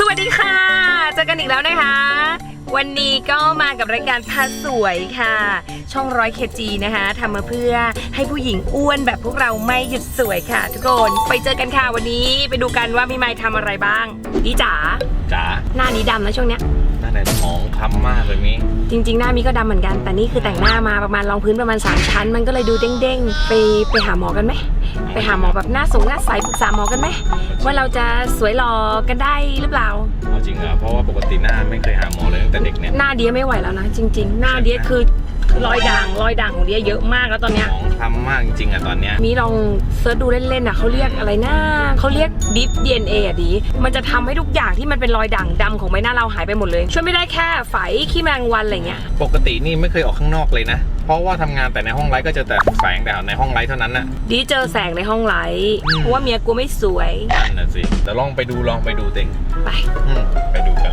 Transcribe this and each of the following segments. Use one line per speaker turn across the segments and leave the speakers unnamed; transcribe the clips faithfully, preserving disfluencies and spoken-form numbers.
วัสดีค่ะเจอกันอีกแล้วนะคะวันนี้ก็มากับรายการพาสวยค่ะช่องร้อยเคจีนะคะทำมาเพื่อให้ผู้หญิงอ้วนแบบพวกเราไม่หยุดสวยค่ะทุกคนไปเจอกันค่ะวันนี้ไปดูกันว่าพี่ไมค์ทำอะไรบ้างดีจ๋า
จ๋า
หน้านี้ดำนะช่วงเนี้ย
หน้าไหนหมองคล้ำมากเลยมิ
จริงๆหน้ามีก็ดำเหมือนกันแต่นี่คือแต่งหน้ามาประมาณรองพื้นประมาณสามชั้นมันก็เลยดูเด้งๆไปไปหาหมอกันไหมไปหาหมอแบบหน้าสูงหน้าใสปรึกษาหมอกันไหมว่าเราจะสวยหล่อกันได้หรือเปล่า
เอาจริงเหรอเพราะว่าปกติหน้าไม่เคยหาหมอเลยตั้งแต่เด็กเนี่ย
หน้าเดียไม่ไหวแล้วนะจริงๆหน้าเดียคือรอยด่างรอยด่างของเดียเยอะมากแล้วตอนเนี้ย
หมองคล้ำมากจริงๆอะตอนเนี้ย
มีลองเซิร์ชดูเล่นๆอ่ะเขาเรียกอะไรนะเขาเรียกดิฟ ดี เอ็น เอ อ่ะดีมันจะทำให้ทุกอย่างที่มันเป็นรอยด่างดำของใบหน้าเราหายไปหมดเลยช่วยไม่ได้แค่ไฝขี้แมลงวันอะไรเงี้ย
ปกตินี่ไม่เคยออกข้างนอกเลยนะเพราะว่าทำงานแต่ในห้องไลฟ์ก็เจอแต่แสงแต่ในห้องไลฟ์เท่านั้นน่ะ
ดีเจอแสงในห้องไลฟ์เพราะว่าเมียกูไม่สวย
นั่นน่ะสิเดี๋ยวลองไปดูลองไปดูเต็ง
ไป
ไปดูกัน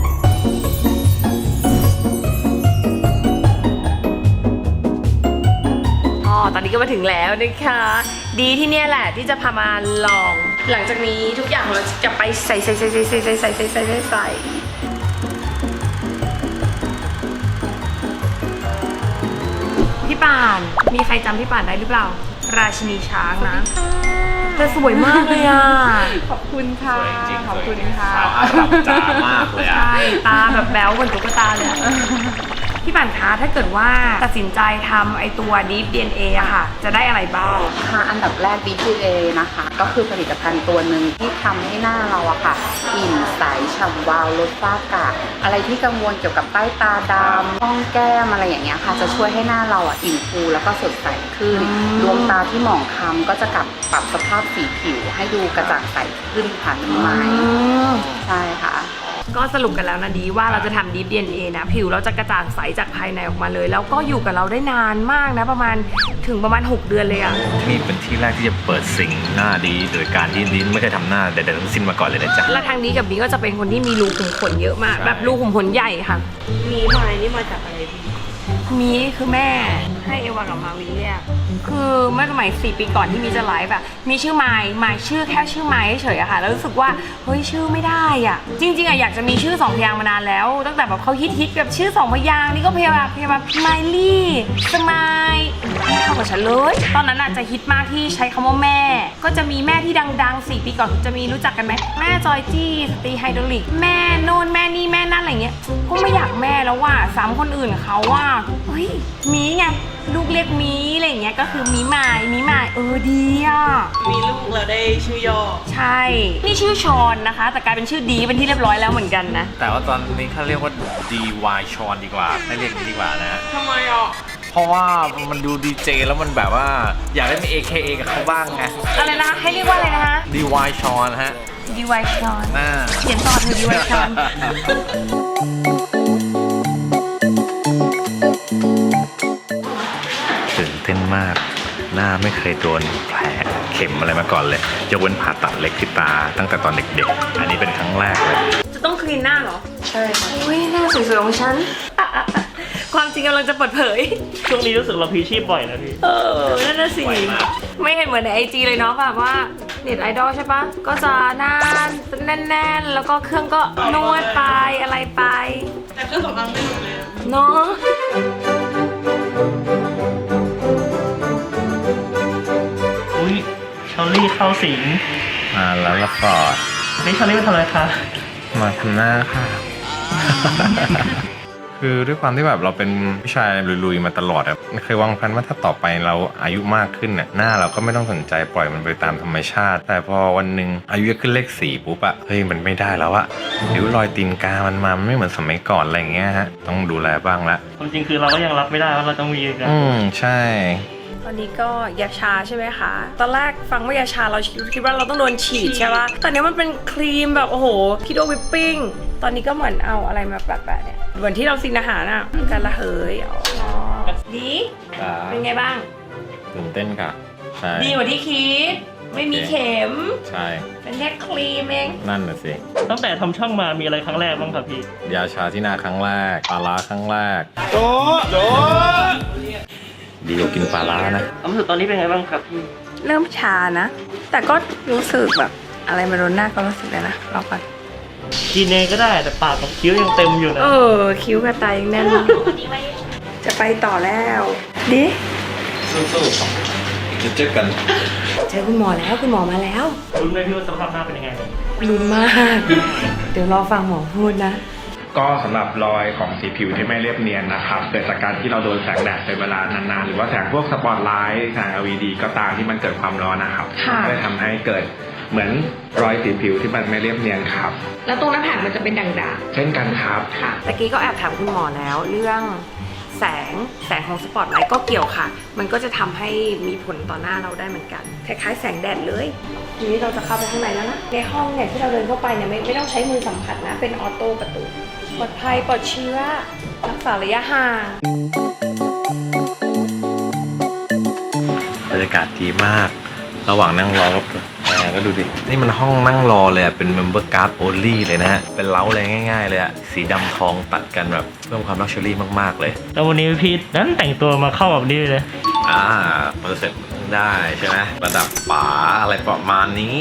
ตอนนี้ก็มาถึงแล้วนะคะดีที่เนี่ยแหละที่จะพามาลองหลังจากนี้ทุกอย่างเราจะไปใส่ใส่ใส่ใส่ใส่ใส่ใส่ใส่ใส่ใส่ใส่พี่ป่านมีใครจำพี่ป่านได้หรือเปล่าราชินีช้างนะแต่สวยมากเลยอ่ะขอบคุณค่ะขอบคุณค่ะ
สาวอาหรับจ๋ามากเลยอ่ะ
ใช่ตาแบบแบ๊วเหมือนตุ๊กตาเลยพี่ป่านคะถ้าเกิดว่าตัดสินใจทำไอตัว Deep ดี เอ็น เอ อะค่ะจะได้อะไรบ้าง
ค่ะอันดับแรก Deep ดี เอ็น เอ นะคะก็คือผลิตภัณฑ์ตัวหนึ่งที่ทำให้หน้าเราอะค่ะอิ่มใสฉ่ำวาวลดฝ้ากระอะไรที่กังวลเกี่ยวกับใต้ตาดำร่องแก้มอะไรอย่างเงี้ยค่ะจะช่วยให้หน้าเราอะอิ่มฟูแล้วก็สดใสขึ้นดวงตาที่หมองคล้ำก็จะกลับปรับสภาพสีผิวให้ดูกระจ่างใสขึ้นค่ะพี่ไม้ใช่ค่ะ
ก็สรุปกันแล้วนะดีว่าเราจะทำ Deep ดี เอ็น เอ นะผิวเราจะกระจ่างใสจากภายในออกมาเลยแล้วก็อยู่กับเราได้นานมากนะประมาณถึงประมาณหกเดือนเลยอะ
นี่เป็นที่แรกที่จะเปิดสิ่งหน้าดีโดยการที่ดีไม่เคยทำหน้าใดๆทั้งสิ้นมาก่อนเลยนะจ๊ะ
และทางนี้กับบีก็จะเป็นคนที่มีรูขุมขนเยอะมากแบบรูขุมขนใหญ่ค่ะมีไม้นี่มาจากอะไรพี่มีคือแม่ให้เอวากับมาวิเนี่ยคือเมื่อสมัยสี่ปีก่อนที่มีจะไลฟ์แบบมีชื่อไม้ไม้ชื่อแค่ชื่อไม้เฉยอะค่ะแล้วรู้สึกว่าเฮ้ยชื่อไม่ได้อะจริงๆอะอยากจะมีชื่อสองพยางค์มานานแล้วตั้งแต่แบบเขาฮิตๆแบบชื่อสองพยางค์นี่ก็พยายามพยายามไมลี่สมายไม่เข้ากับฉันเลยตอนนั้นอะจะฮิตมากที่ใช้คำว่าแม่ก็จะมีแม่ที่ดังๆสี่ปีก่อนจะมีรู้จักกันไหมแม่จอยจี้สตีไฮดรอลิกแม่โน่นแม่นี่แม่นั่นอะไรเงี้ยก็ไม่อยากแม่แล้วว่าสามคนอื่นเขาว่าเฮ้ยมีไงลูกเรียกมีอะไรอย่างเงี้ยก็คือมีหมายมีหมายเออดีอ่ะ
มีลูกเราได้ชื่อย่อ
ใช่นี่ชื่อชอนนะคะแต่กลายเป็นชื่อดีเป็นที่เรียบร้อยแล้วเหมือนกันนะ
แต่ว่าตอนนี้เขาเรียกว่า ดี วาย ชอนดีกว่าไม่เรียกดีกว่านะ
ทำไมอ่ะ
เพราะว่ามันดูดีเจแล้วมันแบบว่าอยากได้มี เอ เค เอ กับเขาบ้างไง
อะไรนะให้เรียกว่าอะไรนะคะ
ดี วาย ชอนฮะ
ดี วาย ชอนเขียนต่อเธอ ดี วาย ชอน
ตื่นเต้นมากหน้าไม่เคยโดนแผลเข็มอะไรมาก่อนเลยยกเว้นผ่าตัดเล็กที่ตาตั้งแต่ตอนเด็กๆอันนี้เป็นครั้งแรกเลย
จะต้องคลีนหน้าเหรอ
ใช่ค่ะ
อุ้ยหน้าสวยๆของฉันความจริงกำลังจะเปิดเผย
ช่วงนี้รู้สึกเราพีชีพบ่อยนะพี่
เออนั่นน่ะสิไม่เห็นเหมือนในไอจีเลยเนาะแบบว่าเน็ตไอดอลใช่ปะก็จะหน้าแน่นๆแล้วก็เครื่องก็นวดไปอะไรไป
แต่เครื่องสำอางไม่หมดเลย
เนาะ
อุ้ยชอลลี่เข้าสิง
มาแล้วละฟอร์ด
นี่ชอลลี่มาทำอะไรคะ
มาทำหน้าค่ะคือด้วยความที่แบบเราเป็นผู้ชายลุยๆมาตลอดอะเคยวางแผนว่าถ้าต่อไปเราอายุมากขึ้นเนี่ยหน้าเราก็ไม่ต้องสนใจปล่อยมันไปตามธรรมชาติแต่พอวันหนึ่งอายุขึ้นเลขสี่ปุ๊บอะเฮ้ยมันไม่ได้แล้วอะริ้วรอยตีนกามันมามันไม่เหมือนสมัยก่อนอะไรอย่างเงี้ยฮะต้องดูแลบ้างละ
ความจริงคือเราก็ยังรับไม่ได้ว่าเราต้องมีกัน
อืมใช่
ตอนนี้ก็ยาชาใช่ไหมคะตอนแรกฟังว่ายาชาเราคิดว่าเราต้องโดนฉีดใช่ปะแต่เนี้ยมันเป็นครีมแบบโอ้โหคิดว่าวิปปิ้งตอนนี้ก็เหมือนเอาอะไรมาแปะๆเนี่ยเหมือนที่เราซินอาหารอ่ะการละเหยอ๋อดีเป็นไงบ้าง
ตื่นเต้นค่ะใช่
ดีกว่าที่คิดไม่มีเข็ม
ใช่
เป็นแค่ครีมเอง
นั่นน่ะสิ
ตั้งแต่ทำช่องมามีอะไรครั้งแรกบ้างครับพี่
ยาชาที่หน้าครั้งแรกปลาร้าครั้งแรก
โดโด
ดีกว่ากินปลาร้านะ
ความรู้สึกตอนนี้เป็นไงบ้างครับพี่
เริ่มชานะแต่ก็รู้สึกแบบอะไรมาโดนหน้าก็รู้สึกเลยนะรอก่อน
กินเองก็ได้แต่ปากกับคิ้วยังเต็มอยู่นะ
เออ คิ้วกับตายังแน่นจะไปต่อแล้วดิ
สู้ๆจะเจอกัน
เจอคุณหมอแล้วคุณหมอมาแล้ว
คุณไม่พี่ว่าสภาพหน้าเป็นยังไง
ลุ้นมาก เดี๋ยวรอฟังหมอพูดนะ
ก็สำหรับรอยของสีผิวที่ไม่เรียบเนียนนะครับเกิดจากการที่เราโดนแสงแดดเป็นเวลานานๆหรือว่าแสงพวกสปอตไลท์แสง แอล อี ดี ก็ตามที่มันเกิดความร้อนนะครับ
ค่ะ
ก็เลยทำให้เกิดเหมือนรอยสีผิวที่มันไม่เรียบเนียนครับ
แล้วตรงหน้าผากมันจะเป็นด่าง
เช่นกันครับ
ๆค่ะตะกี้ก็แอบถามคุณหมอแล้ว เรื่องแสงแสงของสปอตไลท์ก็เกี่ยวค่ะ มันก็จะทำให้มีผลต่อหน้าเราได้เหมือนกันคล้ายๆแสงแดดเลยทีนี้เราจะเข้าไปข้างในแล้วนะในห้องเนี่ยที่เราเดินเข้าไปเนี่ยไม่ไม่ต้องใช้มือสัมผัสนะเป็นออโต้ประตูปลอดภัยปลอดเชื้อรักษาระยะห่าง
บรรยากาศดีมาก ระหว่างนั่งรอก็แอร์ก็ดูดิ นี่มันห้องนั่งรอเลยอะเป็น member card only เลยนะฮะ เป็นเล้าเลยง่ายๆเลยอะสีดำทองตัดกันแบบเพิ่มความลักชัวรี่มากๆเลย
แล้ววันนี้พี่นั้นแต่งตัวมาเข้าแบบนี้เลย
อ่าเปอร์เซ็นต์ได้ใช่ไหมระดับป๋าอะไรประมาณนี้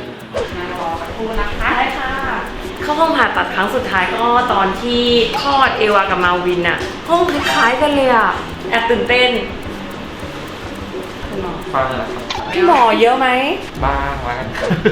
ได้ค่ะ เข้าห้องผ่าตัดครั้งสุดท้ายก็ตอนที่คลอดเอวากับมาวินอะห้องคล้ายๆกันเลยอะแอบตื่นเต้นคุณหมอ
ฟังนะครับ
พี่หมอเยอะไหม
บ้างแล้วกัน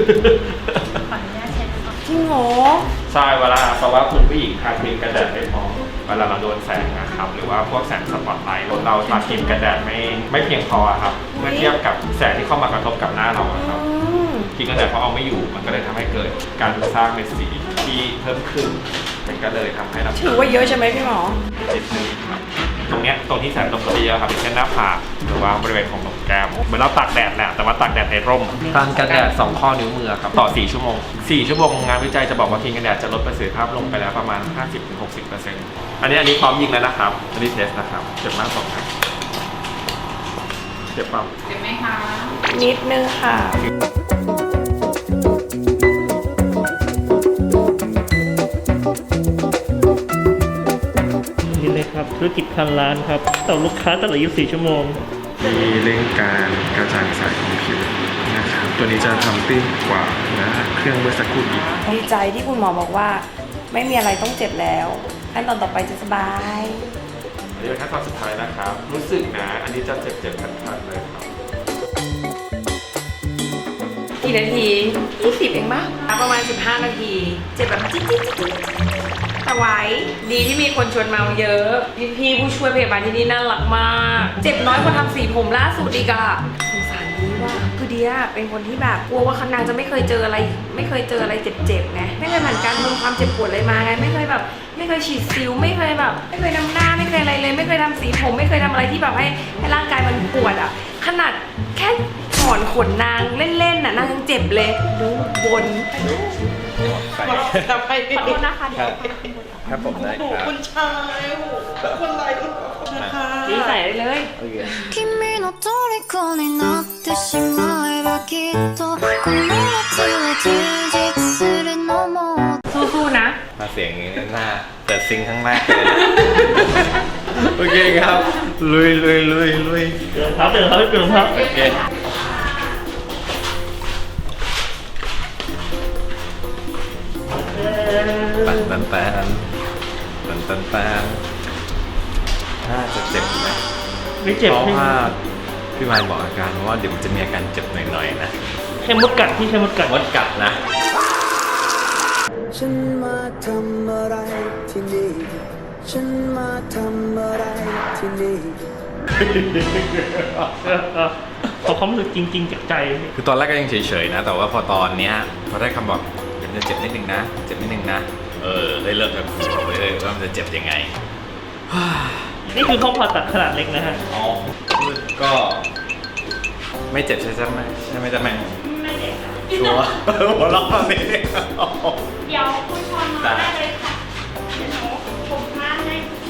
จริงเหรอ
ใช่เวลาเพราะว่าคุณผู้หญิงทาครีมกันแดดไม่พอเวลาเราโดนแสงนะครับหรือว่าพวกแสงสปอตไลท์เราทาครีมกันแดดไม่ไม่เพียงพอครับเมื่อเทียบกับแสงที่เข้ามากระทบกับหน้าเราอะครับ
อืม
ครีมกันแดดพอเอาไม่อยู่มันก็เลยทำให้เกิดการสร้างเม็ดสีที่เพิ่มขึ้นมันก็เลยทำให้เรา
ถือว่าเยอะใช่ไหมพี่หมอ
นิดนึงครับตรงเนี้ยตรงที่แสงตรงเยอะครับเช่นหน้าผากหรือว่าบริเวณของหนกแก้มเหมือนเราตากแดดแหละแต่ว่าตากแดดในร่มทานกันแดดสองข้อนิ้วมือครับต่อสี่ชั่วโมงสี่ชั่วโมงงานวิจัยจะบอกว่าครีมกันแดดจะลดประสิทธิภาพลงไปแล้วประมาณ ห้าสิบถึงหกสิบเปอร์เซ็นต์ อันนี้อันนี้พร้อมยิงแล้วนะครับอันนี้เทสนะครับเจ็บมากสองครับเจ็บเปล่า
เห็นไหมคะ
นิดนึงค่ะ
นี่เลยครับธุรกิจพันล้านครับต่อลูกค้าตลอดยี่สิบสี่ชั่วโมง
มีเร่งการกระจายสายของผิวนะครับตัวนี้จะทำตื้นกว่านะเครื่องเมื่อสักครู่อีก
ดีใจที่คุณหมอบอกว่า ไม่มีอะไรต้องเจ็บแล้วขั้นตอนต่อไปจะสบาย
อันนี้เป็นขั้นตอนสุดท้ายนะครับ รู้สึกนะ อันนี้จะเจ็บเจ็บๆคันๆเลยครับ
กี่นาทียี่สิบเองปะประมาณสิบห้านาที เจ็บแบบจิ๊ดจิ๊ดจิ๊ดแต่ไหวดีที่มีคนชวนมาเยอะ พี่พี่ผู้ช่วยพยาบาลที่นี่น่ารักมาก เจ็บน้อยกว่าทำสีผมล่าสุดอีกอะสงสารดีว่าคือเดียเป็นคนที่แบบกลัวว่านางจะไม่เคยเจออะไร ไม่เคยเจออะไรเจ็บๆไงไม่เคยผ่านการทำความเจ็บปวดเลยมาไงไม่เคยแบบ ไม่เคยฉีดซิลไม่เคยแบบ ไม่เคยทำหน้าไม่เคยอะไรเลย ไม่เคยทำสีผมไม่เคยทำอะไรที่แบบให้ให้ร่างกายมันปวดอะขนาดแค่ถอนขนนางเล่นๆน่ะนางยังเจ็บเลยดูบน ขอโทษนะคะเดี๋ยว
ครับผมได้ครับ
คุณชายโอ้โหคนไรนะคะ
ดีใส่ได้เลย
君の虜になってしまえばきっとこの夏は充実するのも
สู้ๆนะ
มาเสียงอย่างนี้หน้าเปิดซิงค์ข้างแรกเลยโอเคครับ ลุยลุยลุยลุย
เดินครับเดินครับเดินครับ
โอเคปันปันปันปันปันปันน่าจะเจ็บไหม
ไม่เจ็บ
เพราะ
ใช่ไหม
ว่าพี่มายบอกอาการว่าเดี๋ยวมันจะมีอาการเจ็บหน่อยๆนะ
แค่มดกัดที่แค่มดกัด
มดกัดนะ
ฉันมาทำอะไรที่นี่ ฉันมาทำอะไรที่นี่
ขอความรู้สึกจริงๆจากใจ
คือตอนแรกก็ยังเฉยๆนะ แต่ว่าพอตอนเนี้ยพอได้คำบอกเดี๋ยวมันจะเจ็บนิดนึงนะ เจ็บนิดนึงนะ เออได้เริ่มแบบเลยว่ามันจะเจ็บยังไง
นี่คือห้องผ่าตัดขนาดเล็กนะฮะ
อ๋อก็ไม่เจ็บใช่ไหมใช่ไหมจ๊ะแม่ไม่เจ็บชัวร์หัวเราะแบบนี้
เดี๋ยวคุณชอนมาได้เลยค่ะ เดี๋ยวหนูผมมาให้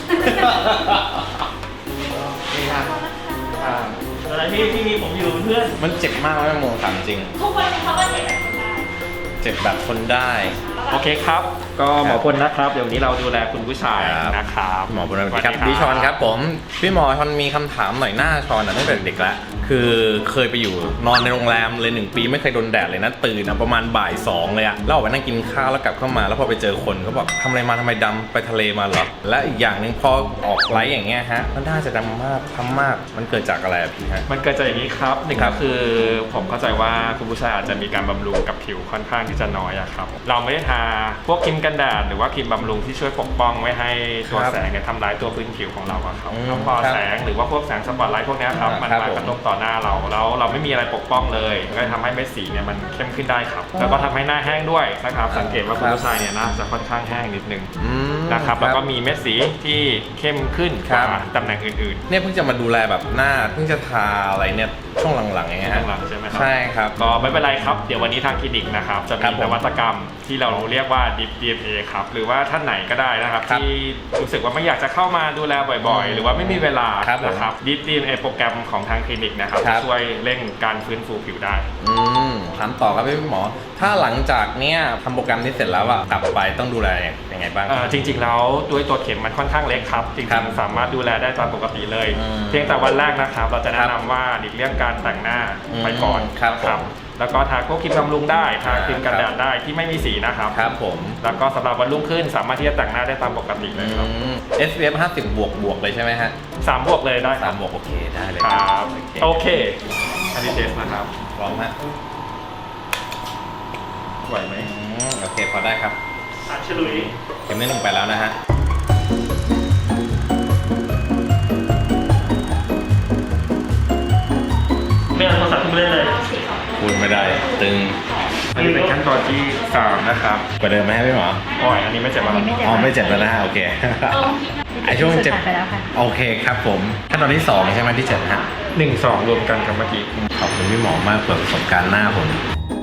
นี่ครับ
อะไรที่ที่มีผมอยู่เป็นเพื่อน
มันเจ็บมากไหมโมถามจริง
ทุกคนเขาก็เจ็บแบบคนได้
เจ็บแบบทนได้
แล้วแบบ
โอเคครับ ก็หมอพลนะครับ เดี๋ยวนี้เราดูแลคุณผู้ชายนะครับ
หมอพลครับพี่ชอนครับผมพี่หมอชอนมีคำถามหน่อยหน้าชอนตั้งแต่เด็กแล้วคือเคยไปอยู่นอนในโรงแรมเลยหนึ่งปีไม่เคยโดนแดดเลยนะตื่นอะประมาณบ่ายสองเลยอะแล้วออกไปนั่งกินข้าวแล้วกลับเข้ามาแล้วพอไปเจอคนเขาบอกทำอะไรมาทำไมดำไปทะเลมาเหรอและอีกอย่างหนึ่งพอออกไลฟ์อย่างเงี้ยฮะมันน่าจะดำมากทำมากมันเกิดจากอะไรอะพี่ฮะ
มันเกิดจากอย่างนี้ครับหนึ่ง
ครั
ก็
บ
คือผมเข้าใจว่าคุณผู้ชายอาจจะมีการบำรุงกับผิวค่อนข้างที่จะน้อยอะครับเราไม่ได้ทาพวกครีมกันแดดหรือว่าครีมบำรุงที่ช่วยปกป้องไม่ให้ตัวแสงเนี่ยทำร้ายตัวพื้นผิวของเราอะครับแล้วพอแสงหรือว่าพวกแสงสปอตไลท์พวกเนี้ยครับมันมากระทบต่อหน้าเราแล้วเราไม่มีอะไรปกป้องเลยก็ทำให้เม็ดสีเนี่ยมันเข้มขึ้นได้ครับแล้วก็ทำให้หน้าแห้งด้วยนะครับสังเกตว่าคุณผู้ชายเนี่ยหน้าจะค่อนข้างแห้งนิดนึงนะครับแล้วก็มีเม็ดสีที่เข้มขึ้นกว่าตำแหน่งอื่นๆ
เนี่ยเพิ่งจะมาดูแลแบบหน้าเพิ่งจะทาอะไรเนี่ยช่วงหลังๆอย่างเงี้ยฮะ
ข้างหลังใช่ไหมครับ
ใช่ครับ
ก็ไม่เป็นไรครับเดี๋ยววันนี้ทางคลินิกนะครับจะ
ครั
มี
บผม
นวัตกรรมที่เราเรียกว่า Deep ดี เอ็น เอ ครับหรือว่าท่านไหนก็ได้นะครับ
ครับ
ที่รู้สึกว่าไม่อยากจะเข้ามาดูแลบ่อยๆ หรือว่าไม่มีเวลา
ครับผม
นะครับ Deep ดี เอ็น เอ โปรแกรมของทางคลินิกนะครับ
ครั
จะ
บ
ช่วยเร่งการฟื้นฟูผิวได้
อืมถามต่อครับพี่หมอ ถ้าหลังจากเนี้ยทำโปรแกรมนี้เสร็จแล้วอะกลับไปต้องดูแลยังไงบ้าง
เอ่อจริงๆแล้วด้วยตัวเข็มมันค่อนข้างเล็กครับจ
ครั
ริ
บ
งๆสามารถดูแลได้ตามปกติเลย
อืม
เพียงแต่วันแรกนะครับเราจะแนะ
ครั
นำ
บ
ว่าหลีกเลี่ยงการแต่งหน้า
อืม
ไปก่อน
ครับ
นะ
ผม
แล้วก็ทาพวกครีมบำรุงได้ทาครีมกัน
ค
แด
รับ
ดได้ที่ไม่มีสีนะครับ
ครับผม
แล้วก็สำหรับวันรุ่งขึ้นสามารถที่จะแต่งหน้าได้ตามปกติเลยครับ
อืม เอส พี เอฟ ห้าสิบบวกบวกเลยใช่ไหมฮะ
สามบวกเลยได้ค
สา
รั
ม
บบ
วกโอเคได้เลย
ครับ
โอ
โอ
เค
เคอันนี้เทสนะครับ
พร้อมฮะ
ไหวไหม
อืมโอเคพอได้ครับ
อ่ะฉลุย
เข็มที่หนึ่งไปแล้วนะฮะ
ไม่เอาโทรศัพท์ขึ้นมาเล่นเลย
พูดไม่ได้ ตึง
อันนี้เป็นขั้นตอนที่สามนะครับ
กว่าเดิมไหมฮะพี่หมอ
โอ้ยอันนี้ไม่เจ็บอะไร
อ๋อไม่เจ็บแล้วนะฮะโอเค ไอช่วงเจ็บโอเคครับผมขั้นตอนที่สองใช่ไหมที่เจ็บฮะ
หนึ่งสองรวมกันกับเมื่อกี้
ขอบคุณพี่หมอมากเปิดประสบการณ์หน้าผม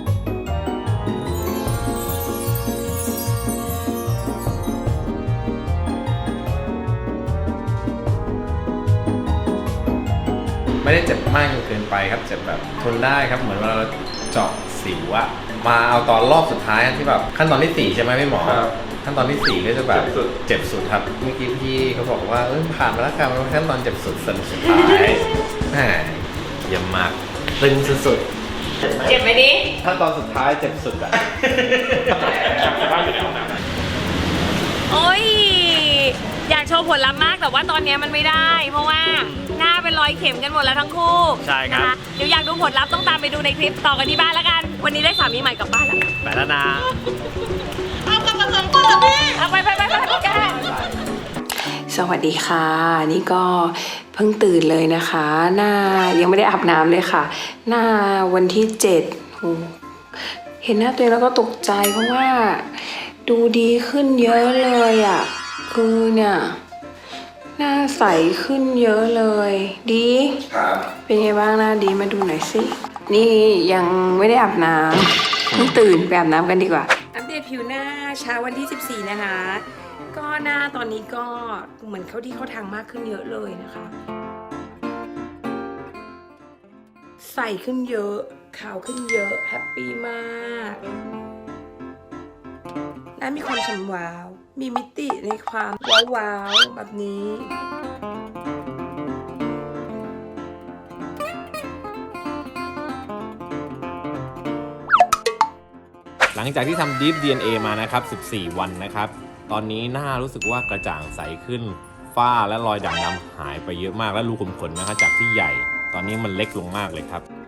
ไม่ได้เจ็บมากจนเกินไปครับเจ็บแบบทนได้ครับเหมือนเวลาเราเจาะสิวอะมาเอาตอนรอบสุดท้ายที่แบบขั้นตอนที่สี่ใช่ไหมพี่หมอ
ครับ
ขั้นตอนที่สี่ก็จะแบบ
เจ็บสุด
เจ็บสุดครับเมื่อกี้พี่เขาบอกว่าเออผ่านมาแล้วครับมันขั้นตอนเจ็บสุดสุดสุดท้ายแหมเยี่ยมมากตึงสุด
เจ็บไหมดิ
ๆขั้นตอนสุดท้ายเจ็บสุดอะ
จะได้อยู่ในห้องน้ำ
โอ้ย อยากโชว์ผลลัพธ์มากแต่ว่าตอนเนี้ยมันไม่ได้ เพราะว่าหน้าเป็นรอยเข็มกันหมดแล้วทั้งคู่
ใช่ครับ
นะะเดี๋ยวอยากดูผลลัพธ์ต้องตามไปดูในคลิปต่อกันที่บ้านแล้วกัน วันนี้ได้สามีใหม่กลับบ้านแล้ว
ไปแล้วนะ
เอากลับมาสองคนเหรอพี่เอาไปไปไปไปไปกัน
สวัสดีค่ะ นี่ก็เพิ่งตื่นเลยนะคะ หน้ายังไม่ได้อาบน้ำเลยค่ะ หน้าวันที่เจ็ดโหเห็นหน้าตัวเองแล้วก็ตกใจเพราะว่าดูดีขึ้นเยอะเลยอ่ะคือเนี่ยหน้าใสขึ้นเยอะเลย ดี
ครับ
เป็นไงบ้างหน้าดีมาดูหน่อยสิ นี่ยังไม่ได้อาบน้ำเพิ่งตื่นไปอาบน้ำกันดีกว่า อัปเดตผิวหน้าเช้าวันที่สิบสี่นะคะ ก็หน้าตอนนี้ก็เหมือนเข้าที่เข้าทางมากขึ้นเยอะเลยนะคะ ใสขึ้นเยอะ ขาวขึ้นเยอะ แฮปปี้มากหน้ามีความฉ่ำวาว มีมิติในความว้าวๆแบบนี้
หลังจากที่ทำ Deep ดี เอ็น เอ มานะครับสิบสี่วันนะครับตอนนี้หน้ารู้สึกว่ากระจ่างใสขึ้นฝ้าและรอยด่างดำหายไปเยอะมากและรูขุมขนนะครับจากที่ใหญ่ ตอนนี้มันเล็กลงมากเลยครับ